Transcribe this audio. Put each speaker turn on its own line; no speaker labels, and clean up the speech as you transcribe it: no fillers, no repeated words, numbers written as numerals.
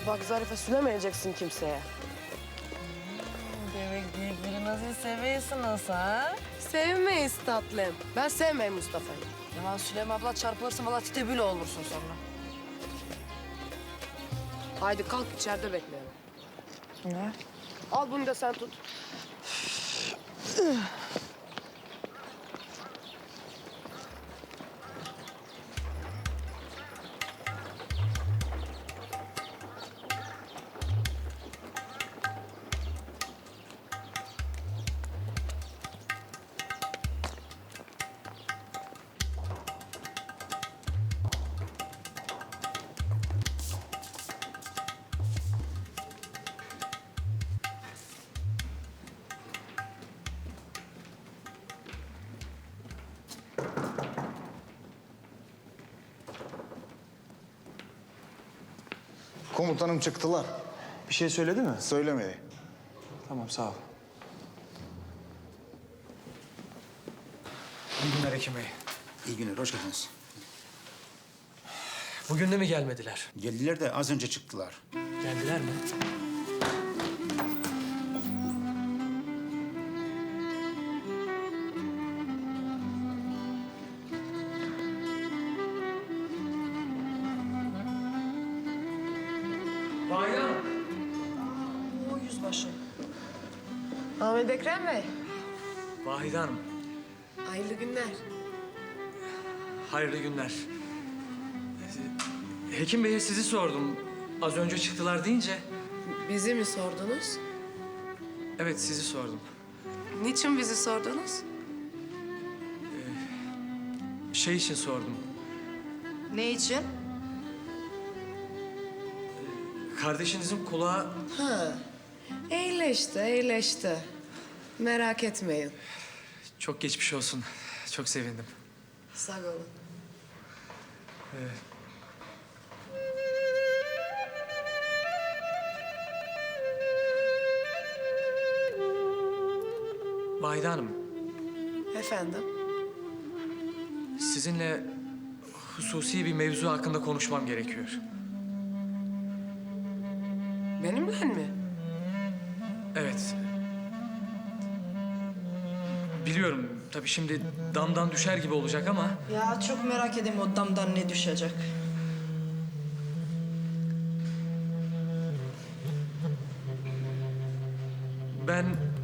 Bak Zarife söylemeyeceksin kimseye.
Demek birbirinizi seviyorsunuz ha?
Sevmeyiz tatlım. Ben sevmeyim Mustafa'yı.
Ya Süleyman abla çarpılırsın valla titebül olursun sonra.
Haydi kalk içeride bekleyelim.
Ne?
Al bunu da sen tut.
Komutanım çıktılar.
Bir şey söyledi mi?
Söylemedi.
Tamam, sağ ol. İyi günler Hekim Bey.
İyi günler, hoş geldiniz.
Bugün de mi gelmediler?
Geldiler de az önce çıktılar.
Geldiler mi? Bayram.
O yüzbaşı.
Ahmet Ekrem Bey.
Vahide Hanım,
Hayırlı günler.
hayırlı günler. Hekim Bey'e sizi sordum. Az önce çıktılar deyince...
Bizi mi sordunuz?
Evet, sizi sordum.
Niçin bizi sordunuz?
Şey için sordum.
Ne için?
Kardeşinizin kulağı...
Ha. İyileşti, iyileşti. Merak etmeyin.
Çok geçmiş olsun. Çok sevindim.
Sağ olun.
Vahide Hanım,
Efendim?
sizinle hususi bir mevzu hakkında konuşmam gerekiyor.
Benimle mi?
Evet. Biliyorum tabii şimdi damdan düşer gibi olacak ama...
Ya çok merak edeyim o damdan ne düşecek.
Ben